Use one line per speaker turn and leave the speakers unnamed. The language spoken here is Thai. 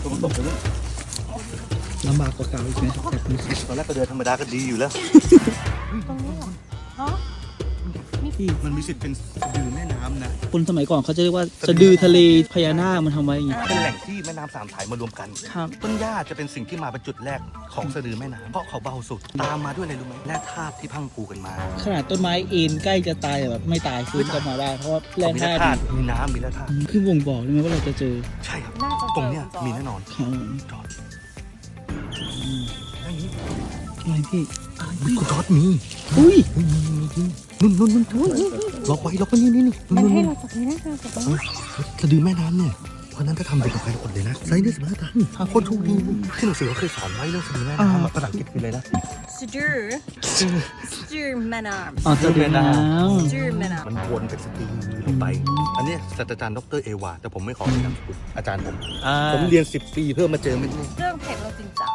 ตัวตกเลย
ลำบากกว่าเก่าอีกไหมจากนี้
ตอนแรกก็เดินธรรมดาก็ดีอยู่แล้ว
ตรงนี้เหรอฮะ
ที่
มันมีสิทธิ์เป็นสะดือแม่น้ำนะ
คนสมัยก่อนเขาจะเรียกว่าสะดือทะเลพญานาคมันทำไว้อย่างงี้
เป็นแหล่งที่แม่น้ำสามสายมารวมกัน
ครับ
ต้นหญ้าจะเป็นสิ่งที่มาเป็นจุดแรกของสะดือแม่น้ำเพราะเขาเบาสุด ตามมาด้วยอะไรรู้ไหมแร่ธาตุที่พังผูกันมา
ขนาดต้นไม้เอ็นใกล้จะตายแต่แบบไม่ตายฟื้นกลับมาได้เพราะว่าแร่
มี
ธา
แร่
ตุ
ธาตุมีน้ำมีแร่ธาตุ
คือบ่งบอกเลยไหมว่าเราจะเจอ
ใช่ครับ
น่าจะเจอ
ตรงเนี้ย
คุณจอร์จ
มีแน่นอน
ครับ
จอด
อืม
อย่างนี้
อะไรพี่
มีกูจอดมี
อุ้ย
นู่นล็อกไว้ล็อกไว้นี่
มันให้เราจับนี้นะเราจับนี้
สะดือแม่น้ำเนี่ยเพราะนั้นถ้าทำเด็กกับใครอดเลยนะไซส์ได้15 ตันโคตรโชคดีที่หนังสือเขาเคยสอนไว้เรื่องสะดือแม่น้ำภาษาอังกฤษคืออะไรนะ
สะดือสะดือแม่น้ำ
อ๋อจะเป็นน้
สะดือแม่น้
มันวนเป็นสะดือลงไป อันนี้ศาสตราจารย์ดรเอวาแต่ผมไม่ขอเอ่ยนามสกุลอาจารย์ผม
ำ
ผมเรียน10 ปีเพื่อมาเจอเม็ดนี้
ำเรื่องเผ็ดเราจริงจัง